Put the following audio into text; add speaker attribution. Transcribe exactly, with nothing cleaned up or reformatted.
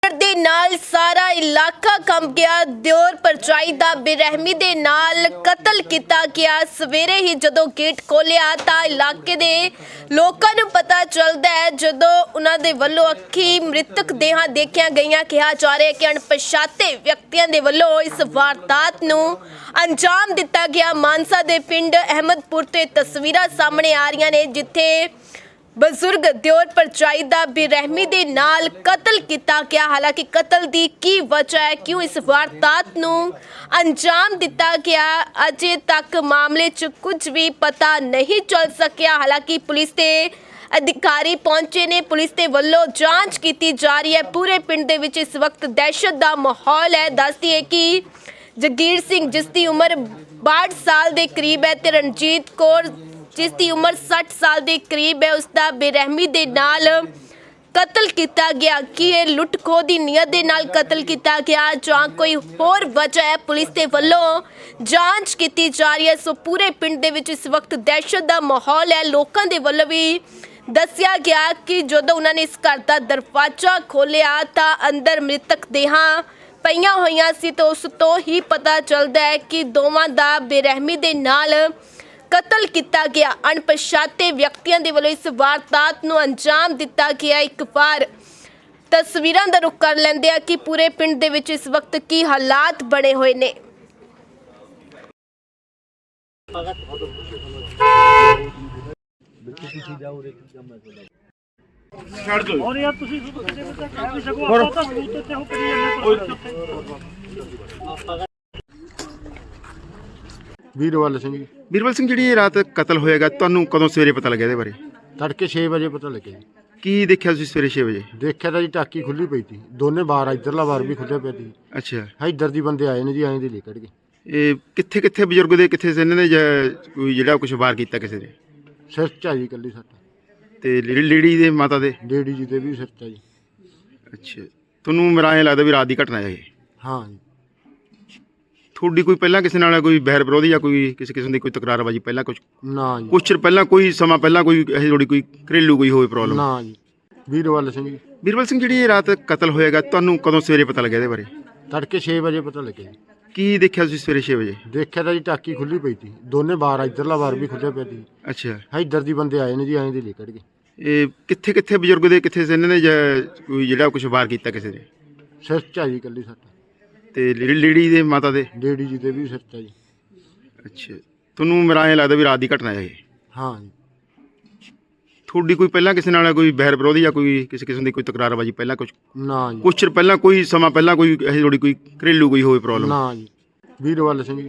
Speaker 1: ਦੇ ਨਾਲ ਸਾਰਾ ਇਲਾਕਾ ਕੰਬ ਗਿਆ। ਦਿਓਰ ਪਰਜਾਈ ਦਾ ਬੇਰਹਿਮੀ ਦੇ ਨਾਲ ਕਤਲ ਕੀਤਾ ਗਿਆ। ਸਵੇਰੇ ਹੀ ਜਦੋਂ ਗੇਟ ਖੋਲਿਆ ਤਾਂ ਇਲਾਕੇ ਦੇ ਲੋਕਾਂ ਨੂੰ ਪਤਾ ਚੱਲਦਾ ਹੈ, ਜਦੋਂ ਉਹਨਾਂ ਦੇ ਵੱਲੋਂ ਅੱਖੀ ਮ੍ਰਿਤਕ ਦੇਹਾਂ ਦੇਖੀਆਂ ਗਈਆਂ। ਕਿਹਾ ਜਾ ਰਿਹਾ ਹੈ ਕਿ ਅਣਪਛਾਤੇ ਵਿਅਕਤੀਆਂ ਦੇ ਵੱਲੋਂ ਇਸ ਵਾਰਦਾਤ ਨੂੰ ਅੰਜਾਮ ਦਿੱਤਾ ਗਿਆ। ਮਾਨਸਾ ਦੇ ਪਿੰਡ ਅਹਿਮਦਪੁਰ ਤੇ ਤਸਵੀਰਾਂ ਸਾਹਮਣੇ ਆ ਰਹੀਆਂ ਨੇ, ਜਿੱਥੇ ਬਜ਼ੁਰਗ ਦਿਓਰ ਪਰਜਾਈ ਦਾ ਬੇਰਹਿਮੀ ਦੇ ਨਾਲ ਕਤਲ ਕੀਤਾ ਗਿਆ। ਹਾਲਾਂਕਿ ਕਤਲ ਦੀ ਕੀ ਵਜ੍ਹਾ ਹੈ, ਕਿਉਂ ਇਸ ਵਾਰਦਾਤ ਨੂੰ ਅੰਜਾਮ ਦਿੱਤਾ ਗਿਆ, ਅਜੇ ਤੱਕ ਮਾਮਲੇ 'ਚ ਕੁਝ ਵੀ ਪਤਾ ਨਹੀਂ ਚੱਲ ਸਕਿਆ। ਹਾਲਾਂਕਿ ਪੁਲਿਸ ਦੇ ਅਧਿਕਾਰੀ ਪਹੁੰਚੇ ਨੇ, ਪੁਲਿਸ ਦੇ ਵੱਲੋਂ ਜਾਂਚ ਕੀਤੀ ਜਾ ਰਹੀ ਹੈ। ਪੂਰੇ ਪਿੰਡ ਦੇ ਵਿੱਚ ਇਸ ਵਕਤ ਦਹਿਸ਼ਤ ਦਾ ਮਾਹੌਲ ਹੈ। ਦੱਸਦੀ ਹੈ ਕਿ ਜਗੀਰ ਸਿੰਘ, ਜਿਸ ਦੀ ਉਮਰ ਬਾਹਠ ਸਾਲ ਦੇ ਕਰੀਬ ਹੈ, ਤੇ ਰਣਜੀਤ ਕੌਰ, ਜਿਸ ਦੀ ਉਮਰ ਸੱਠ ਸਾਲ ਦੇ ਕਰੀਬ ਹੈ, ਉਸ ਦਾ ਬੇਰਹਿਮੀ ਦੇ ਨਾਲ ਕਤਲ ਕੀਤਾ ਗਿਆ। ਕਿ ਇਹ ਲੁੱਟ ਖੋਹ ਦੀ ਨੀਅਤ ਦੇ ਨਾਲ ਕਤਲ ਕੀਤਾ ਗਿਆ ਜਾਂ ਕੋਈ ਹੋਰ ਵਜ੍ਹਾ ਹੈ, ਪੁਲਿਸ ਦੇ ਵੱਲੋਂ ਜਾਂਚ ਕੀਤੀ ਜਾ ਰਹੀ ਹੈ। ਸੋ ਪੂਰੇ ਪਿੰਡ ਦੇ ਵਿੱਚ ਇਸ ਵਕਤ ਦਹਿਸ਼ਤ ਦਾ ਮਾਹੌਲ ਹੈ। ਲੋਕਾਂ ਦੇ ਵੱਲੋਂ ਵੀ ਦੱਸਿਆ ਗਿਆ ਕਿ ਜਦੋਂ ਉਹਨਾਂ ਨੇ ਇਸ ਘਰ ਦਾ ਦਰਵਾਜ਼ਾ ਖੋਲ੍ਹਿਆ ਤਾਂ ਅੰਦਰ ਮ੍ਰਿਤਕ ਦੇਹਾਂ ਪਈਆਂ ਹੋਈਆਂ ਸੀ, ਤਾਂ ਉਸ ਤੋਂ ਹੀ ਪਤਾ ਚੱਲਦਾ ਹੈ ਕਿ ਦੋਵਾਂ ਦਾ ਬੇਰਹਿਮੀ ਦੇ ਨਾਲ ਕਤਲ ਕੀਤਾ ਗਿਆ। ਅਣਪਛਾਤੇ ਵਿਅਕਤੀਆਂ ਦੇ ਵੱਲੋਂ ਇਸ ਵਾਰਦਾਤ ਨੂੰ ਅੰਜਾਮ ਦਿੱਤਾ ਗਿਆ। ਇੱਕ ਵਾਰ ਤਸਵੀਰਾਂ ਦਾ ਰੁਖ ਕਰ ਲੈਂਦੇ ਆ ਕਿ ਪੂਰੇ ਪਿੰਡ ਦੇ ਵਿੱਚ ਇਸ ਵਕਤ ਕੀ ਹਾਲਾਤ ਬਣੇ ਹੋਏ ਨੇ।
Speaker 2: ਛੱਡ ਦਿਓ ਔਰ ਯਾਰ ਤੁਸੀਂ ਕਿਸੇ ਨੂੰ ਕਹਿ ਨਹੀਂ ਸਕੋ, ਆਪਾਂ ਤਾਂ ਸਬੂਤ ਤੇ ਉਹ ਕਰੀ ਜਾਂਦੇ।
Speaker 3: ਵੀਰਵਾਲ ਸਿੰਘ ਜੀ।
Speaker 4: ਵੀਰਵਾਲ ਸਿੰਘ, ਜਿਹੜੀ ਇਹ ਰਾਤ ਕਤਲ ਹੋਏਗਾ, ਤੁਹਾਨੂੰ ਕਦੋਂ ਸਵੇਰੇ ਪਤਾ ਲੱਗਿਆ ਇਹਦੇ ਬਾਰੇ?
Speaker 3: ਤੜਕੇ ਛੇ ਵਜੇ ਪਤਾ ਲੱਗਿਆ ਜੀ।
Speaker 4: ਕੀ ਦੇਖਿਆ ਤੁਸੀਂ ਸਵੇਰੇ ਛੇ ਵਜੇ?
Speaker 3: ਦੇਖਿਆ ਤਾਂ ਜੀ ਟਾਕੀ ਖੁੱਲੀ ਪਈ ਸੀ, ਦੋਨੇ ਬਾਰ, ਇੱਧਰਲਾ ਬਾਰ ਵੀ ਖੁੱਲਿਆ ਪਿਆ ਸੀ।
Speaker 4: ਅੱਛਾ,
Speaker 3: ਇੱਧਰ ਦੀ ਬੰਦੇ ਆਏ ਨੇ ਜੀ, ਐਂ ਦੇ ਲੈ ਕੱਢ ਗਏ।
Speaker 4: ਇਹ ਕਿੱਥੇ ਕਿੱਥੇ ਬਜ਼ੁਰਗ ਦੇ ਕਿੱਥੇ ਸੀ ਇਹਨਾਂ ਨੇ, ਜਾਂ ਕੋਈ ਜਿਹੜਾ ਕੁਝ ਵਾਰ ਕੀਤਾ ਕਿਸੇ ਨੇ?
Speaker 3: ਸਿਰ 'ਚ ਆ ਜੀ ਇਕੱਲੀ ਸੱਟ,
Speaker 4: ਤੇ ਲੇ- ਲੇਡੀ ਦੇ ਮਾਤਾ ਦੇ?
Speaker 3: ਡੇਡੀ ਜੀ ਦੇ ਵੀ ਸਿਰ 'ਚ ਆ ਜੀ।
Speaker 4: ਅੱਛਾ, ਤੁਹਾਨੂੰ ਮੇਰਾ ਐਂ ਲੱਗਦਾ ਵੀ ਰਾਤ ਦੀ ਘਟਨਾ ਹੈ ਇਹ?
Speaker 3: ਹਾਂ ਜੀ।
Speaker 4: ਤੁਹਾਡੀ ਕੋਈ ਪਹਿਲਾਂ ਕਿਸੇ ਨਾਲ ਕੋਈ ਬਹਿਰ ਵਿਰੋਧੀ ਜਾਂ ਕੋਈ ਕਿਸੇ ਕਿਸਮ ਦੀ ਕੋਈ ਤਕਰਾਰਬਾਜੀ ਪਹਿਲਾਂ ਕੁਝ
Speaker 3: ਨਾ ਜੀ,
Speaker 4: ਕੁਛ ਚਿਰ ਪਹਿਲਾਂ, ਕੋਈ ਸਮਾਂ ਪਹਿਲਾਂ ਕੋਈ ਇਹ ਥੋੜੀ ਕੋਈ ਘਰੇਲੂ ਕੋਈ ਹੋਵੇ ਪ੍ਰੋਬਲਮ?
Speaker 3: ਨਾ ਜੀ। ਵੀਰਵਾਲ ਸਿੰਘ ਜੀ।
Speaker 4: ਵੀਰਵਾਲ ਸਿੰਘ, ਜਿਹੜੀ ਇਹ ਰਾਤ ਕਤਲ ਹੋਏਗਾ, ਤੁਹਾਨੂੰ ਕਦੋਂ ਸਵੇਰੇ ਪਤਾ ਲੱਗਿਆ ਇਹਦੇ ਬਾਰੇ?
Speaker 3: ਤੜਕੇ ਛੇ ਵਜੇ ਪਤਾ ਲੱਗਿਆ ਜੀ।
Speaker 4: ਕੀ ਦੇਖਿਆ ਤੁਸੀਂ ਸਵੇਰੇ ਛੇ ਵਜੇ?
Speaker 3: ਦੇਖਿਆ ਤਾਂ ਜੀ ਟਾਕੀ ਖੁੱਲੀ ਪਈ ਸੀ, ਦੋਨੇ ਬਾਰ, ਇੱਧਰਲਾ ਬਾਰ ਵੀ ਖੁੱਲਿਆ ਪਿਆ ਸੀ।
Speaker 4: ਅੱਛਾ,
Speaker 3: ਇੱਧਰ ਦੀ ਬੰਦੇ ਆਏ ਨੇ ਜੀ, ਐਂ ਦੇ ਲੈ ਕੱਢ ਗਏ।
Speaker 4: ਇਹ ਕਿੱਥੇ ਕਿੱਥੇ ਬਜ਼ੁਰਗ ਦੇ ਕਿੱਥੇ ਸੀ ਇਹਨਾਂ ਨੇ, ਜਾਂ ਕੋਈ ਜਿਹੜਾ ਕੁਝ ਵਾਰ ਕੀਤਾ ਕਿਸੇ ਨੇ?
Speaker 3: ਸਿਰ 'ਚ ਆ ਜੀ ਇਕੱਲੀ ਸੱਟ,
Speaker 4: ਤੇ ਲੇ- ਲੇਡੀ ਦੇ ਮਾਤਾ ਦੇ?
Speaker 3: ਡੇਡੀ ਜੀ ਦੇ ਵੀ ਸਿਰ 'ਚ ਆ ਜੀ।
Speaker 4: ਅੱਛਾ, ਤੁਹਾਨੂੰ ਮੇਰਾ ਐਂ ਲੱਗਦਾ ਵੀ ਰਾਤ ਦੀ ਘਟਨਾ ਹੈ ਇਹ?
Speaker 3: ਹਾਂ ਜੀ।
Speaker 4: ਤੁਹਾਡੀ ਕੋਈ ਪਹਿਲਾਂ ਕਿਸੇ ਨਾਲ ਕੋਈ ਬਹਿਰ ਵਿਰੋਧੀ ਜਾਂ ਕੋਈ ਕਿਸੇ ਕਿਸਮ ਦੀ ਕੋਈ ਤਕਰਾਰਬਾਜੀ ਪਹਿਲਾਂ ਕੁਝ
Speaker 3: ਨਾ ਜੀ।
Speaker 4: ਕੁਛ ਚਿਰ ਪਹਿਲਾਂ ਕੋਈ ਸਮਾਂ ਪਹਿਲਾਂ ਕੋਈ ਇਹ ਥੋੜੀ ਕੋਈ ਘਰੇਲੂ ਕੋਈ ਹੋਵੇ ਪ੍ਰੋਬਲਮ?
Speaker 3: ਨਾ ਜੀ। ਵੀਰਵਾਲ ਸਿੰਘ ਜੀ।